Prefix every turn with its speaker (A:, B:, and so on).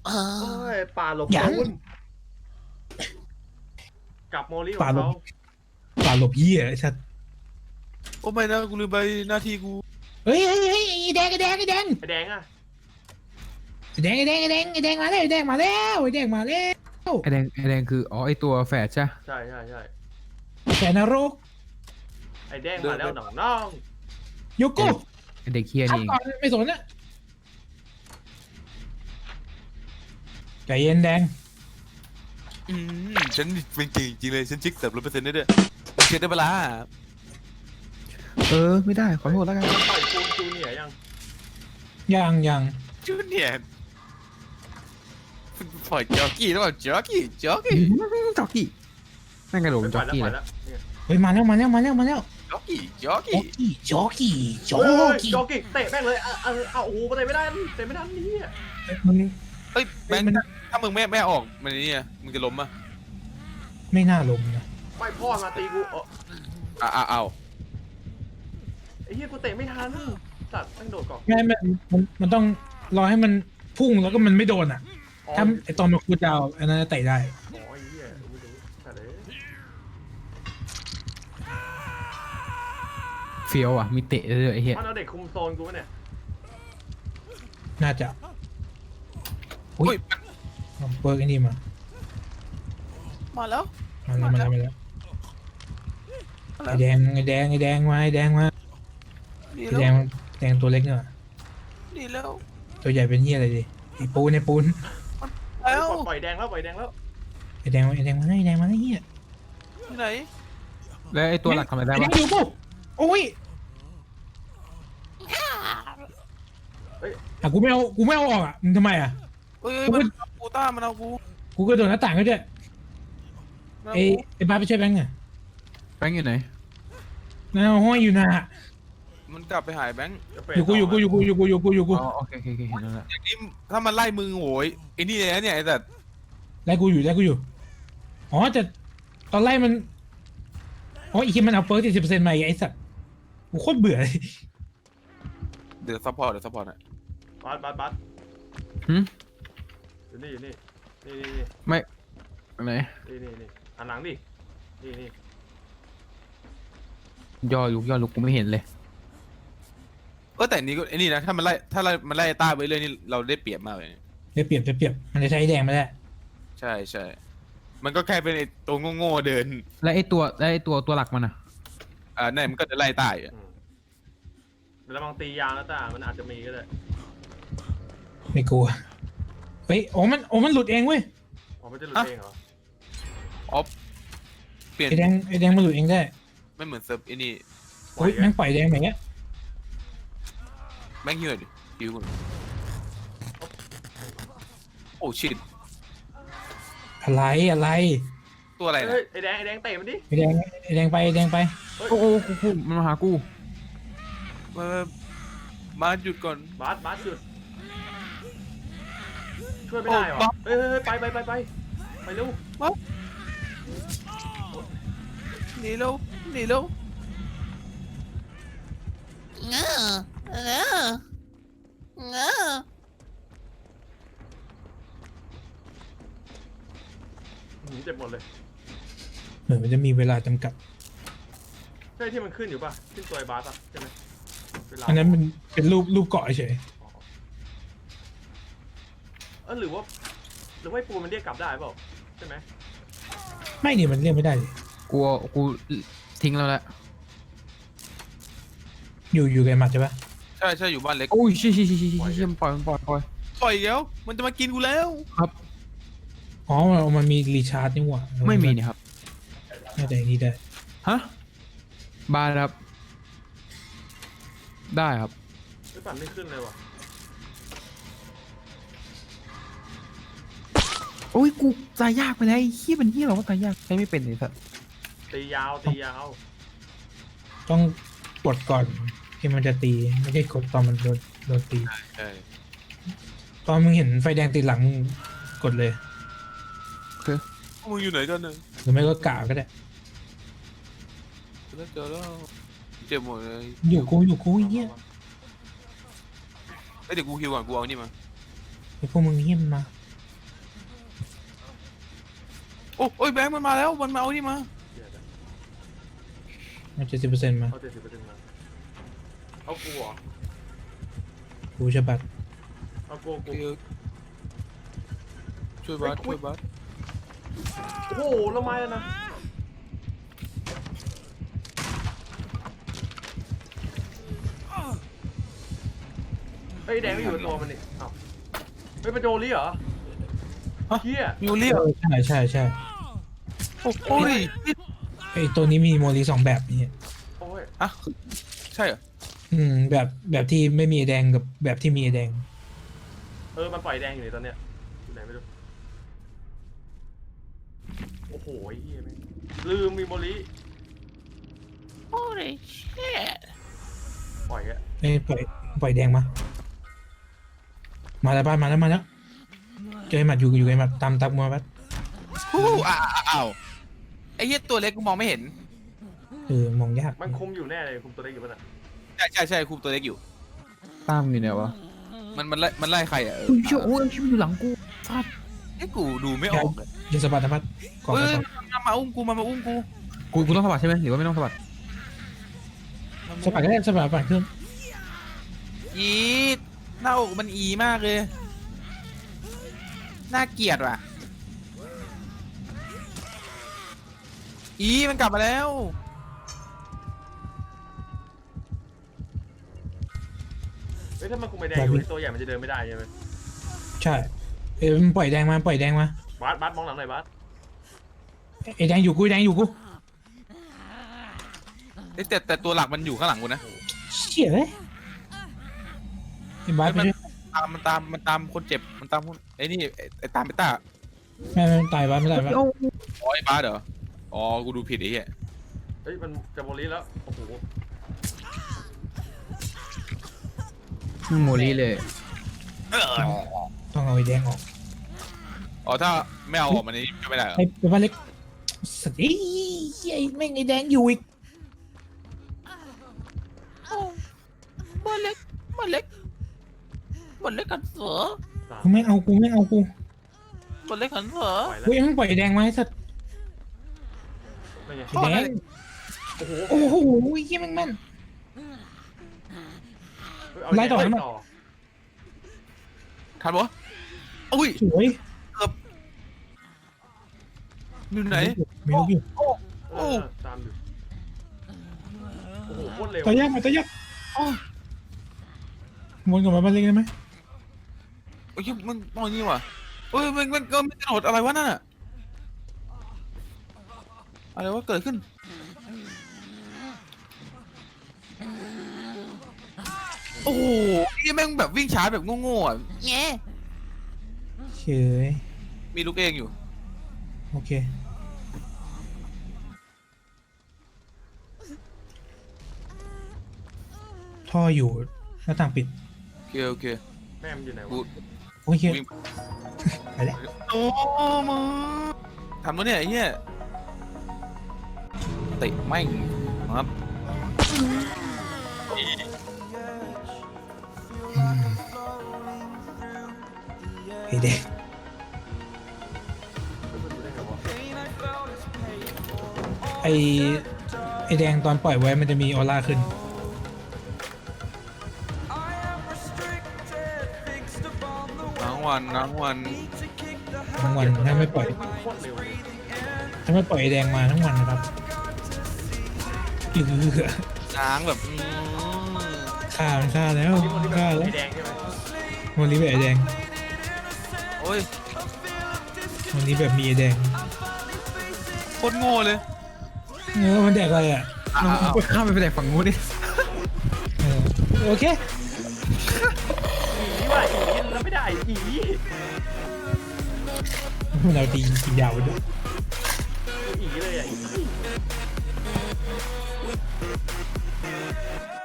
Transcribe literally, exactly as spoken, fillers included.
A: โอ้ยป่าหลบ
B: ยัง
A: มุนกับโมลี่ขอ
B: ป่าง หลบ
A: เขา
B: ป่าหลบเหี้ยไอ้สัตว์
C: โอ้ไม่นะกูลืมไปหน้าที่กู
B: เฮ้ยเฮ้ยเฮ้ยไอ้แดงไอ้แดงไอ้แดง
A: ไอแดงอะ
B: ไอ้แดงไอ้แดงไอ้แดงไอ้แดงมาแล้วไอ้แดงมาแล้วไอ้แดงมาแล้ว
D: ไอแดงไอแดงคืออ๋อไอตัวแฝดใช่
A: ใช่ใช่ใช่
B: แสนนรก
A: ไอแดงมาแล้วหนองน้อง
B: โยโก้
D: ไอเด็กเฮีย
B: ทับ
D: นี่
B: ก่อนไม่สนนะใจเย็นแดง
C: อืมฉันเป็นจริงจริงเลยฉันชิคเติบร้อยเปอร์เซ็นต์ได้ด้วยเช็ดได้เวลา
D: เออไม่ได้ขอโทษแล้วกัน
A: ปล่อยปูนจูเนียร์ยัง
B: ยังยัง
C: จูเนียร์ปล่อยจ็อกกี้แล้วเปล่าจ็อกกี้จ็อกกี้
D: จ็อกกี้แม่งกระโดด
A: ไม่
D: จ็
A: ปล่
D: อ
A: อก ยแล้ว
D: กี้
A: ปล่
D: เล
A: อย
D: ย
A: แล้วเนี่ย
B: เฮ้ยมาแล้วมาแล้วมาแล้วมาแล้ว
C: จ็อกกี้จ็อก
B: โจ
C: กี้
B: กี้โจกี้โจ
A: เฮ้ย
B: กี้
A: โจกิเตะแม่งเลยเอาเอาเอาโอ้โหเตะไม่ได้เตะไม่ทันนี่อะ
B: มัน
C: เฮ้ยแบงค์ถ้ามึงไม่ไม่ออกมันนี่อ่ะมึงจะล้มอ่ะ
B: ไม่น่าลงนะ
A: ไม่พ่อมาตีกูเออ
C: อ่ะอ่ะเอา
A: ไอ้เหี้ยกูเตะไม่ทันสัตว์แม่งโดดก่อน
B: ไม่ไม่มันมันต้องรอให้มันพุ่งแล้วก็มันไม่โดนอ่ะ
A: อ๋อ
B: ถ้าไอตอนมันคูลดาวน์อันนั้นเตะได้
A: อ๋อไอ้เหี้ยไม่รู้แต่เลย
D: เฟี้ยวอ่ะมีเตะเลยไอเฮีย
A: มันเอาเด็กคุมโซนกูปะเนี่ย
B: น่าจะ
C: อุ้ย
B: เอาเปิร์กไอ้นี่มา
C: มาแล้ว
B: มาแล้วมาแล้วมาแล้วไอแดงไอแดงไอแดงมาไอแดงมา
C: ดี
B: ไอ
C: แล้ว
B: แดงแดงตัวเล็กเนี่ย
C: ดีแล้ว
B: ตัวใหญ่เป็นเหี้ยอะไรดิไอปูนไอปูน
C: แล้ว
A: ปล่อยแดงแล้วปล่อยแดงแล้ว
B: ไอแดงไอแดงมาไอแดงมาไอเหี้ย
C: ที่ไหน
D: แล้วไอตัวหลักทำอะไรได้
B: ไอแด
D: ปะ
B: งอยู่ปุ๊บโอ้ยอ่ะกูไม่เอากูไม่เอาออกอ่ะมึงทำไมอ่ะ
C: เอ้ยมันกูต้ามันเอากู
B: กูก็โดนหน้าต่างก็จะ
C: มัน
B: ไอ
C: เอากู
B: ไอบ้าไปช่วยแบงค์อ่ะ
D: แบงค์อยู่ไหน
B: นั่นเอาห้อยอยู่นะ
C: มันกลับไปหายแบงค์
A: จะเฟด
B: อยู่กูอยู่กูอยู่กูอยู่กูอยู่กูอยู่กู
D: อ๋อโอเคโอเคโอเคเห็นแล้วละ
C: อย่างนี้ถ้ามันไล่มึงโวยไอ้นี่เลยนะเนี่ยไอ้แต่
B: ไล่กูอยู่ไล่กูอยู่อ๋อแต่ตอนไล่มันอ๋ออีกทีมันเอาเปิร์กเจ็ดสิบเปอร์เซ็นต์มาอีกไอ้สัตว์กูโคตรเบื่อเลย
C: เดี๋ยวซัพพอร์ตเดี๋ยวซัพพอร์ตอ่ะ
A: บัสบัสบัส
D: หืม
A: อยู่นี่อยู่นี่นี่นี่นี่
D: ไม่ไหน
A: นี่นี่นี่หันหลังดินี่นี่
D: ย่อลุกย่อลุกกูไม่เห็นเลย
C: เออแต่นี่ก็ไอ้นี่นะถ้ามันไล่ถ้าไล่มันไล่ต้าไปเรื่อยนี่เราได้เปรียบมากเลย
B: ได้เปรียบได้เปรียบมันจะใช้แดงไม่ได้
C: ใช่ใช่มันก็แค่เป็นไอ้ตัวโง่ๆเดิน
D: แล้วไอตัวแล้วไอตัวตัวหลักมันอ่ะ
C: อ่านั่นมันก็จะไล่ต้าอยู่
A: อืมระวังตียางแล้วตามันอาจจะมีก็ได้
B: ไม่กลัวเฮ้ยโอ้มันโอ้มันหลุดเองเว้ย
A: อ๋อมันจะหลุดเองเหรอ
C: อ๋อเปลี่ยน
B: ไอแดงไอแดงมันหลุดเองได้
C: ไม่เหมือนเซิร์ฟไอ้นี่
B: เฮ้ยแม่งปล่อยแดงแบบเนี้ย
C: แม่งเหี้ยดิดิวก่อนโอ้ชิต
B: อะไรอะไร
C: ตัวอะไรนะ
A: เฮ้ยไอแดงไอแดงเตะมันดิ
B: ไอแดงไอแดงไปไอแดงไป
D: โอ้โหกูกูมันมาหากู
C: มามาหยุดก่อน
A: บัสบัสหยุดช่วยไม่ได้เหรอเฮ้ยเฮ้ยเฮ้ยไปไปไปไปไปเร็ว
C: หนีเร็วหนีเร็ว
E: เงอเงอเงอ
A: หืมเจ็บหมดเลย
B: เหมือนมันจะมีเวลาจำกัด
A: ใช่ที่มันขึ้นอยู่ป่ะขึ้นตัวไอ้บัสป่ะใช่ไหมเวลา
B: อันนั้นมันเป็นรูปรูปเกาะเฉย
A: อ๋อเออหรือว่าหรือว่าไอ้ปูมันเรียกกลับได้เปล่าใช่ไหม
B: ไม่นี่มันเรียกไม่ได้เลย
D: กูกูทิ้งแล้วแหละ
B: อยู่อยู่กับไอ้หมัดใช่ปะ
C: ใช่ใช่อยู่บ้านเล็ก
D: โอ้ยชิชิชิชิชิมันปล่อยมันปล่อยปล่อย
C: ปล่อยแล้วมันจะมากินกูแล้ว
B: อ๋อมันมันมีรีชาร์จนี่หว่า
D: ไม่มีนี่ครับ
B: น่าจะอย่างนี้ได้
D: ฮะบาร์ครับ ได้ครับ
A: ไม่ปั่นไม่ขึ้นเลยว่ะ
D: โอ้ยกูตายยากไปเลยไอ้เฮียเป็นเฮียเหรอว่าตายยากใช้ไม่เป็นเลยสัส
A: ตียาวตียาว
B: ต้องกดก่อนที่มันจะตีไม่ใช่กดตอนมันโดนโดนตี
C: ใช่
B: ตอนมึงเห็นไฟแดงติดหลังกดเลย
C: พวกมึงอยู่ไหนกันเนี่ย
B: หรือไม่ก็กะก็ได้
C: เจอแล้วเจอแล้วเจ็บหมดเลย
B: อยู่กูอยู่กูไอ้เหี้ย
C: เอ้ยเดี๋ยวกูฮิวก่อนกูเอานี่มา
B: ไอ้พวกมึงเหี้ยมันมา
C: โอ้โอ้ยแบงค์มันมาแล้วมันมาเอานี่มา
A: เหี้ยนะ
B: มันเจ็ดสิบเปอร์เซ็นต์มา
A: เอาเจ็ดสิบเปอร์เซ็นต์มาเอากูเหรอ
B: กูจะบัตร
A: เอากูกู
C: ช่วยบาสช่วยบาส
A: โอ้โหแล้วไม้แล้วนะเฮ้ยแดงก็อยู่ในตัวมันนี่เอ้าเฮ้ยเป็นโจลี่เหรอเฮีย
C: มิวเลีย
B: เออใช่ใช่ใช่
C: โอ้ย
B: ไอตัวนี้มีโมลีสองแบบนี่
A: โอ้ย
C: อ่ะใช่เหรอ
B: อืมแบบแบบที่ไม่มีไอ้แดงกับแบบที่มีไอ้แดง
A: เออมันปล่อยแดงอยู่ในตอนเนี้ยอยู่ไหนไม่รู้โอ้โหไอ้เฮียแม่งลืมมีโมลิ
E: Holy shit
A: ปล่อยแก
B: ไอ้ยปล่อยปล่อยแดงมา มาแล้วบ้านมาแล้วมาแล้วเจอไอ้หมัดอยู่อยู่ไอ้หมัดตามตามมาบัด
C: ฮู้อ้าวอ้าวไอ้เหี้ยตัวเล็กกูมองไม่เห็น
B: เออมองยาก
A: มันคุมอยู่แน่เลยคุมตัวเล็กอยู่ป่ะน่ะ
C: ใช่ใช่ใช่คุมตัวเล็กอยู่
D: ตามอยู่ไหนวะ
C: มันมันไล่มันไล่ใครอ่ะเออ
D: อุ้ยเชี่ยโอ้ยชิบมันอยู่หลังกูฟาด
C: ไอ้กูดูไม่ออกเลย
B: ยิงสะบัดนะพัดก่อน
C: เฮ้ย
B: ก่อน
C: มันมาอุ้มกูมันมาอุ้มกู
D: กูกูต้องสะบัดใช่ไหมหรือว่าไม่ต้องสะบัด
B: สะบัดก็ได้สะบัดปั่นเครื่อง
C: อีหน้าอกมันอีมากเลยน่าเกลียดว่ะอีมันกลับมาแล้ว
A: เฮ้ยถ้ามันคุมไอ้แดงอยู่ไอ้ตัวใหญ่มันจะเดินไม่ได้ใช่ไหม
B: ใช่เออมันปล่อยแดงมาปล่อยแดงมา
A: บาสบาสมองหลังหน่อยบาส
B: ไอ้แดงอยู่กูไอ้แดงอยู่กู
C: เอ้ยแต่แต่ตัวหลักมันอยู่ข้างหลังกูนะ
B: เชี่ยเลยไอ้บาสไปด้วย
C: ตามมันตามมันตามคนเจ็บมันตามคนไอ้นี่ไอ้ไอ้ตามไปต้า
B: แม่ไม่ตายบาสไม่ตายบาส
D: เอ้า
C: อ๋อไอ้บ้าสเหรออ๋อกูดูผิดไอ้เหี้ย
A: เฮ้ยมันจะโมลิแล้วโอ้โห
D: โมลีเลย
B: ต้องเอาไอ้แดงออก
C: อ๋อถ้าไม่เอาออกมาในนี้ก็ไม่ได้เหรอ
B: ไอ้ไอ้บ้านเล็กสัตว์ไอ้ไอ้แม่งไอ้แดงอยู่อีก
E: บ้านเล็กบ้านเล็กบ้านเล็กกันเสือ
A: สาม
B: กูไม่เอากูไม่เอากู
E: บ้านเล็กกันเสือ
A: ปล่อยแล้ว
B: กูยังไม่ปล่อยไอ้แดงมาให้สัตว์
A: ไม่ไง
B: ไอ้แดง
A: โอ้โห
B: โอ้โหเยี่ยมแม่งแม่น
A: เฮ้ยเา
B: ไล่ต่อ
A: แดง
B: ให้มัน
C: ทันปะอุ้ย
B: สวย
C: อยู่ไหน
B: ไม่รู้อยู่
A: เออตามอยู่โอ้โหโคตรเร็ว
B: ตายากมาตายากวนกลับมาบ้านเล็กได้ไหม
C: โอ้ยมันตอนนี้ว่ะเอ้ยมันมันก็ไม่กระโดดอะไรวะนั่นอะอะไรวะเกิดขึ้นโอ้โหนี่แม่งแบบวิ่งช้าแบบโง่ๆอ่ะ
E: เงี้ย
B: เฉย
C: มีลูกเองอยู่
B: โอเคท่ออยู่หน้าต่างปิด
C: โอเคโอเค
A: แม่มันอยู่ไหน
C: กู
A: วะ
B: โอเค
C: วิ่ง
B: ไปแล้ว
C: โอ้มึงทำวะเนี่ยไอ้เหี้ยเตะแม่งครับ
B: อืมไอ้แดง
A: เฮ้ยมันอยู่ได้ไงวะ
B: ไอ้ไอ้แดงตอนปล่อยไว้มันจะมีออร่าขึ้น
C: ทั้งวันทั้งวัน
B: ทั้งวันถ้าไม่ปล่อย
A: โคตรเร็วเลย
B: ถ้าไม่ปล่อยไอ้แดงมาทั้งวันนะครับอือ
C: ช้างแบบอืม
B: ฆ่ามันฆ่าแล้ว
A: นี่มันที่แบบ
B: ฆ่าแล้ว
A: ไอ้แดงใช่ไหม
B: วันนี้แบบไอ้แดง
C: โอ้ย
B: วันนี้แบบมีไอ้แดง
C: โคตรโง่เลย
B: เออมันแดกอะไรอ่ะ
C: อ้าวอ้าว
D: ข้ามไปไปแดกฝั่งนู้นดิ
B: เออโอเค
A: อีว่ะอีแล้วไม่ได้อี
B: เราตีกินยาวไปด้วย
A: อีเลยอ่ะอี